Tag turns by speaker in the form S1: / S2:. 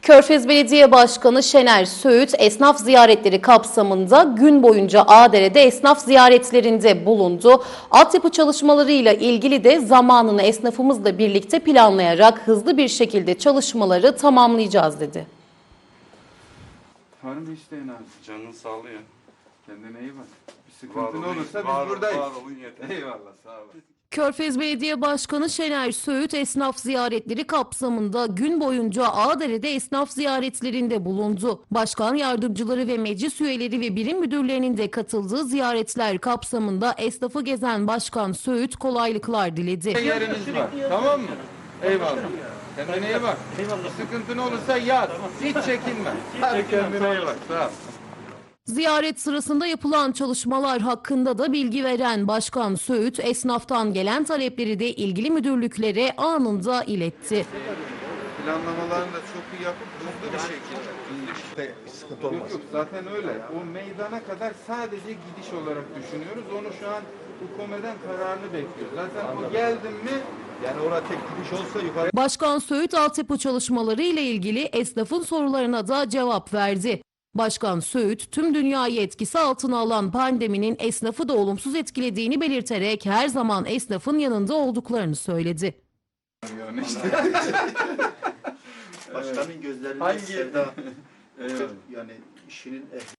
S1: Körfez Belediye Başkanı Şener Söğüt, esnaf ziyaretleri kapsamında gün boyunca Ağdere'de esnaf ziyaretlerinde bulundu. Altyapı çalışmalarıyla ilgili de zamanını esnafımızla birlikte planlayarak hızlı bir şekilde çalışmaları tamamlayacağız dedi.
S2: Var mı isteğin abi?
S3: Canın sağlığı ya.
S2: Kendine iyi bak. Bir
S3: Var
S2: sıkıntın
S3: olun,
S2: olursa
S3: var
S2: biz buradayız.
S3: Var olun yeter.
S2: Eyvallah, sağ olun.
S1: Körfez Belediye Başkanı Şener Söğüt, esnaf ziyaretleri kapsamında gün boyunca Ağdere'de esnaf ziyaretlerinde bulundu. Başkan yardımcıları ve meclis üyeleri ve birim müdürlerinin de katıldığı ziyaretler kapsamında esnafı gezen Başkan Söğüt kolaylıklar diledi.
S2: Yeriniz var, tamam mı? Eyvallah. Kendine iyi bak. Bir sıkıntın olursa yaz. Hiç çekinme. Hadi kendine iyi bak, sağ ol.
S1: Ziyaret sırasında yapılan çalışmalar hakkında da bilgi veren Başkan Söğüt, esnaftan gelen talepleri de ilgili müdürlüklere anında iletti.
S2: Planlamalarını da çok iyi yapıp hızlı bir şekilde.
S4: Sıkıntı olmaz.
S2: Yok zaten öyle. O meydana kadar sadece gidiş olarak düşünüyoruz. Onu şu an hükümeden kararını bekliyoruz. Zaten o geldim mi
S4: Yani orada tek gidiş olsa yukarı.
S1: Başkan Söğüt, altyapı çalışmaları ile ilgili esnafın sorularına da cevap verdi. Başkan Söğüt, tüm dünyayı etkisi altına alan pandeminin esnafı da olumsuz etkilediğini belirterek her zaman esnafın yanında olduklarını söyledi.
S2: yani işte.
S4: Başkanın gözlerinde
S2: Hangi-
S4: sevda.
S2: Eyvallah.
S4: Yani işinin ehli.